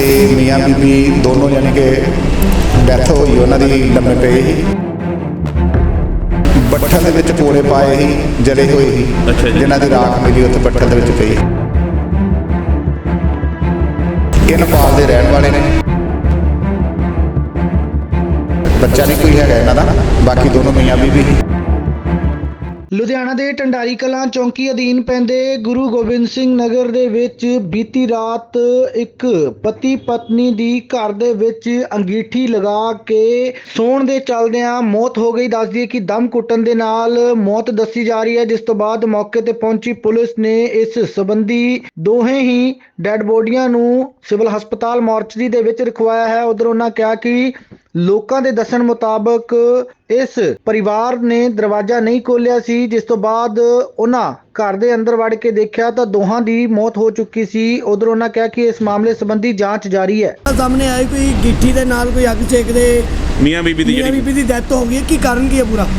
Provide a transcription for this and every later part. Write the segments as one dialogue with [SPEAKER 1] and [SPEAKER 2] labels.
[SPEAKER 1] मियाँ बीबी दोनों यानी कि डैथ होई उन्होंने लम्मे पे ही ਬੱਠਲ ਦੇ ਵਿੱਚ ਕੋਲੇ ਪਾਏ ही जले हुए ही जिन्हों की राख मिली उत्थे ਬੱਠਲ ਦੇ ਵਿੱਚ ਪਈ। ਇਹ ਨੇਪਾਲ ਦੇ ਰਹਿਣ ਵਾਲੇ ਨੇ। ਬੱਚਾ नहीं कोई है इन्हों का, बाकी दोनों मियाँ बीबी ही।
[SPEAKER 2] ਲੁਧਿਆਣਾ ਦੇ ਢੰਡਾਰੀ ਕਲਾਂ ਚੌਂਕੀ ਅਧੀਨ ਪੈਂਦੇ ਗੁਰੂ ਗੋਬਿੰਦ ਸਿੰਘ ਨਗਰ ਦੇ ਵਿੱਚ ਬੀਤੀ ਰਾਤ ਇੱਕ ਪਤੀ ਪਤਨੀ ਦੀ ਘਰ ਦੇ ਵਿੱਚ ਅੰਗੀਠੀ ਲਗਾ ਕੇ ਸੌਣ ਦੇ ਚੱਲਦਿਆਂ ਮੌਤ ਹੋ ਗਈ। ਦੱਸ ਦਈਏ ਕਿ ਦਮ ਘੁੱਟਣ ਦੇ ਨਾਲ ਮੌਤ ਦੱਸੀ ਜਾ ਰਹੀ ਹੈ, ਜਿਸ ਤੋਂ ਬਾਅਦ ਮੌਕੇ ਤੇ ਪਹੁੰਚੀ ਪੁਲਿਸ ਨੇ ਇਸ ਸੰਬੰਧੀ ਦੋਹੇ ਹੀ ਡੈੱਡ ਬੋਡੀਆਂ ਨੂੰ ਸਿਵਲ ਹਸਪਤਾਲ ਮੋਰਚਰੀ ਦੇ ਵਿੱਚ ਰਖਵਾਇਆ ਹੈ। ਉਧਰ ਉਹਨਾਂ ਕਿਹਾ ਕਿ ਲੋਕਾਂ ਦੇ ਦੱਸਣ ਮੁਤਾਬਕ ਇਸ ਪਰਿਵਾਰ ਨੇ ਦਰਵਾਜ਼ਾ ਨਹੀਂ ਖੋਲ੍ਹਿਆ ਸੀ, ਜਿਸ ਤੋਂ ਬਾਅਦ ਉਹਨਾਂ ਘਰ ਦੇ ਅੰਦਰ ਵੜ ਕੇ ਦੇਖਿਆ ਤਾਂ ਦੋਹਾਂ ਦੀ ਮੌਤ ਹੋ ਚੁੱਕੀ ਸੀ। ਉਧਰ ਉਹਨਾਂ ਕਿਹਾ ਕਿ ਇਸ ਮਾਮਲੇ ਸੰਬੰਧੀ ਜਾਂਚ ਜਾਰੀ ਹੈ।
[SPEAKER 3] ਸਾਹਮਣੇ ਆਈ ਕੋਈ ਗਿੱਠੀ ਦੇ ਨਾਲ ਕੋਈ ਅੱਗ ਸੇਕਦੇ
[SPEAKER 4] ਮੀਆਂ ਬੀਬੀ ਦੀ
[SPEAKER 3] ਡੈਥ ਹੋ ਗਈ। ਕੀ ਕਾਰਨ ਕੀ ਹੈ ਪੂਰਾ?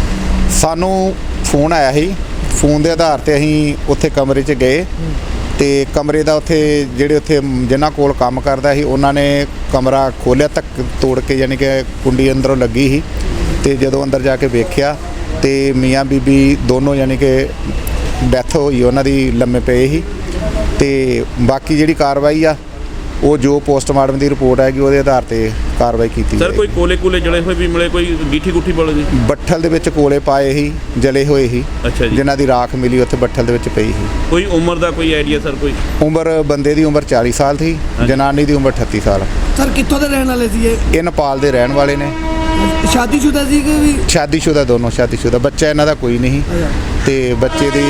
[SPEAKER 1] ਸਾਨੂੰ ਫੋਨ ਆਇਆ ਸੀ, ਫੋਨ ਦੇ ਆਧਾਰ ਤੇ ਅਸੀਂ ਉੱਥੇ ਕਮਰੇ 'ਚ ਗਏ ਤੇ ਕਮਰੇ ਦਾ ਉੱਥੇ ਜਿਹੜੇ ਉੱਥੇ ਜਿਨ੍ਹਾਂ ਕੋਲ ਕੰਮ ਕਰਦਾ ਸੀ ਉਹਨਾਂ ਨੇ ਕਮਰਾ ਖੋਲ੍ਹਿਆ, ਧੱਕ ਤੋੜ ਕੇ ਯਾਨੀ ਕਿ ਕੁੰਡੀ ਅੰਦਰੋਂ ਲੱਗੀ ਸੀ ਤੇ ਜਦੋਂ ਅੰਦਰ ਜਾ ਕੇ ਵੇਖਿਆ ਤੇ ਮੀਆਂ ਬੀਬੀ ਦੋਨੋਂ ਯਾਨੀ ਕਿ ਡੈਥ ਹੋਈ ਉਹਨਾਂ ਦੀ ਲੰਮੇ ਪਏ ਸੀ। ਤੇ ਬਾਕੀ ਜਿਹੜੀ ਕਾਰਵਾਈ ਆ ਉਹ ਜੋ ਪੋਸਟਮਾਰਟਮ ਦੀ ਰਿਪੋਰਟ ਆਏਗੀ ਉਹਦੇ ਆਧਾਰ ਤੇ ਕਾਰਵਾਈ ਕੀਤੀ
[SPEAKER 4] ਸਰ ਕੋਈ ਕੋਲੇ ਜਲੇ ਹੋਏ ਵੀ ਮਿਲੇ, ਕੋਈ ਗਿੱਠੀ ਗੁੱਠੀ ਬੋਲੇ ਜੀ?
[SPEAKER 1] ਬੱਠਲ ਦੇ ਵਿੱਚ ਕੋਲੇ ਪਾਏ ਸੀ, ਜਲੇ ਹੋਏ ਸੀ।
[SPEAKER 4] ਅੱਛਾ ਜੀ।
[SPEAKER 1] ਜਿਨ੍ਹਾਂ ਦੀ ਰਾਖ ਮਿਲੀ ਉੱਥੇ ਬੱਠਲ ਦੇ ਵਿੱਚ ਪਈ ਸੀ।
[SPEAKER 4] ਕੋਈ ਉਮਰ ਦਾ ਕੋਈ ਆਈਡੀਆ ਸਰ? ਕੋਈ
[SPEAKER 1] ਉਮਰ ਬੰਦੇ ਦੀ ਉਮਰ 40 ਸਾਲ ਸੀ, ਜਨਾਨੀ ਦੀ ਉਮਰ 38 ਸਾਲ।
[SPEAKER 3] ਸਰ ਕਿੱਥੋਂ ਦੇ ਰਹਿਣ ਵਾਲੇ ਸੀ ਇਹ?
[SPEAKER 1] ਇਹ ਨੇਪਾਲ ਦੇ ਰਹਿਣ ਵਾਲੇ ਨੇ।
[SPEAKER 3] ਸ਼ਾਦੀशुदा ਸੀ ਕਿ ਵੀ?
[SPEAKER 1] ਸ਼ਾਦੀशुदा, ਦੋਨੋਂ ਸ਼ਾਦੀशुदा। ਬੱਚਾ ਇਹਨਾਂ ਦਾ ਕੋਈ ਨਹੀਂ ਤੇ ਬੱਚੇ ਦੀ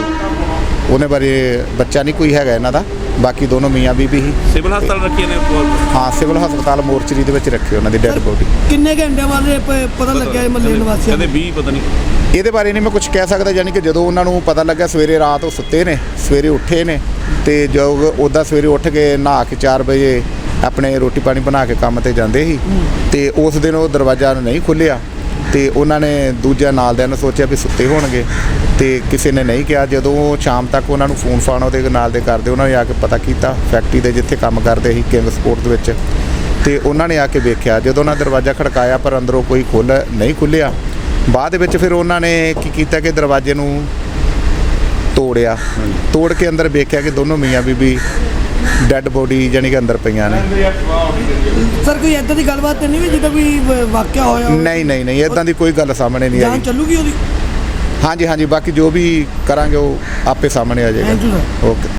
[SPEAKER 1] ਉਹਨੇ ਬਾਰੇ ਬੱਚਾ ਨਹੀਂ ਕੋਈ ਹੈਗਾ ਇਹਨਾਂ ਦਾ, ਬਾਕੀ ਦੋਨੋਂ ਮੀਆਂ ਬੀਬੀ ਹੀ।
[SPEAKER 4] ਸਿਵਲ ਹਸਪਤਾਲ ਰੱਖੇ ਨੇ?
[SPEAKER 1] ਹਾਂ, ਸਿਵਲ ਹਸਪਤਾਲ ਮੋਰਚਰੀ ਦੇ ਵਿੱਚ ਰੱਖੀ ਉਹਨਾਂ ਦੀ ਡੈੱਡ ਬੋਡੀ।
[SPEAKER 3] ਕਿੰਨੇ ਘੰਟੇ ਬਾਅਦ ਪਤਾ ਲੱਗਿਆ ਮਹੱਲੇ ਨਿਵਾਸੀਆਂ
[SPEAKER 4] ਕਹਿੰਦੇ 20 ਪਤਾ ਨਹੀਂ।
[SPEAKER 1] ਇਹਦੇ ਬਾਰੇ ਨਹੀਂ ਮੈਂ ਕੁਝ ਕਹਿ ਸਕਦਾ, ਯਾਨੀ ਕਿ ਜਦੋਂ ਉਹਨਾਂ ਨੂੰ ਪਤਾ ਲੱਗਾ ਸਵੇਰੇ ਰਾਤ ਉਹ ਸੁੱਤੇ ਨੇ, ਸਵੇਰੇ ਉੱਠੇ ਨੇ ਤੇ ਜੋ ਉੱਦਾਂ ਸਵੇਰੇ ਉੱਠ ਕੇ ਨਹਾ ਕੇ 4 ਵਜੇ ਆਪਣੇ ਰੋਟੀ ਪਾਣੀ ਬਣਾ ਕੇ ਕੰਮ ਤੇ ਜਾਂਦੇ ਸੀ ਤੇ ਉਸ ਦਿਨ ਉਹ ਦਰਵਾਜ਼ਾ ਨਹੀਂ ਖੁੱਲ੍ਹਿਆ ਤੇ ਉਹਨਾਂ ਨੇ ਦੂਜਾ ਨਾਲ ਦਿਆਂ ਨੇ ਸੋਚਿਆ ਵੀ ਸੁੱਤੇ ਹੋਣਗੇ ਤੇ ਕਿਸੇ ਨੇ ਨਹੀਂ ਕਿਹਾ। ਜਦੋਂ ਸ਼ਾਮ ਤੱਕ ਉਹਨਾਂ ਨੂੰ ਫੋਨ ਫਾਨ ਉਹਦੇ ਨਾਲ ਦੇ ਕਰਦੇ, ਉਹਨਾਂ ਨੇ ਆ ਕੇ ਪਤਾ ਕੀਤਾ ਫੈਕਟਰੀ ਦੇ ਜਿੱਥੇ ਕੰਮ ਕਰਦੇ ਸੀ ਕਿੰਗ ਸਪੋਰਟ ਦੇ ਵਿੱਚ, ਤੇ ਉਹਨਾਂ ਨੇ ਆ ਕੇ ਵੇਖਿਆ। ਜਦੋਂ ਉਹਨਾਂ ਦਰਵਾਜ਼ਾ ਖੜਕਾਇਆ ਪਰ ਅੰਦਰੋਂ ਕੋਈ ਨਹੀਂ ਖੁੱਲ੍ਹਿਆ। ਬਾਅਦ ਵਿੱਚ ਫਿਰ ਉਹਨਾਂ ਨੇ ਕੀ ਕੀਤਾ ਕਿ ਦਰਵਾਜ਼ੇ ਨੂੰ ਤੋੜਿਆ, ਤੋੜ ਕੇ ਅੰਦਰ ਵੇਖਿਆ ਕਿ ਦੋਨੋਂ ਮੀਆਂ ਬੀਬੀ ਡੈੱਡ ਬੋਡੀ ਜਾਨੀ ਕਿ ਅੰਦਰ ਪਈਆਂ ਨੇ।
[SPEAKER 3] ਸਰ ਕੋਈ ਇੱਦਾਂ ਦੀ ਗੱਲਬਾਤ ਨਹੀਂ ਵੀ ਜਿੱਦਾਂ ਕੋਈ ਵਾਕਿਆ ਹੋਇਆ?
[SPEAKER 1] ਨਹੀਂ ਇੱਦਾਂ ਦੀ ਕੋਈ ਗੱਲ ਸਾਹਮਣੇ ਨਹੀਂ ਆਈ।
[SPEAKER 3] ਜਾਂਚ ਚੱਲੂਗੀ ਉਹਦੀ?
[SPEAKER 1] ਹਾਂਜੀ, ਬਾਕੀ ਜੋ ਵੀ ਕਰਾਂਗੇ ਉਹ ਆਪੇ ਸਾਹਮਣੇ ਆ ਜਾਏਗਾ। ਓਕੇ।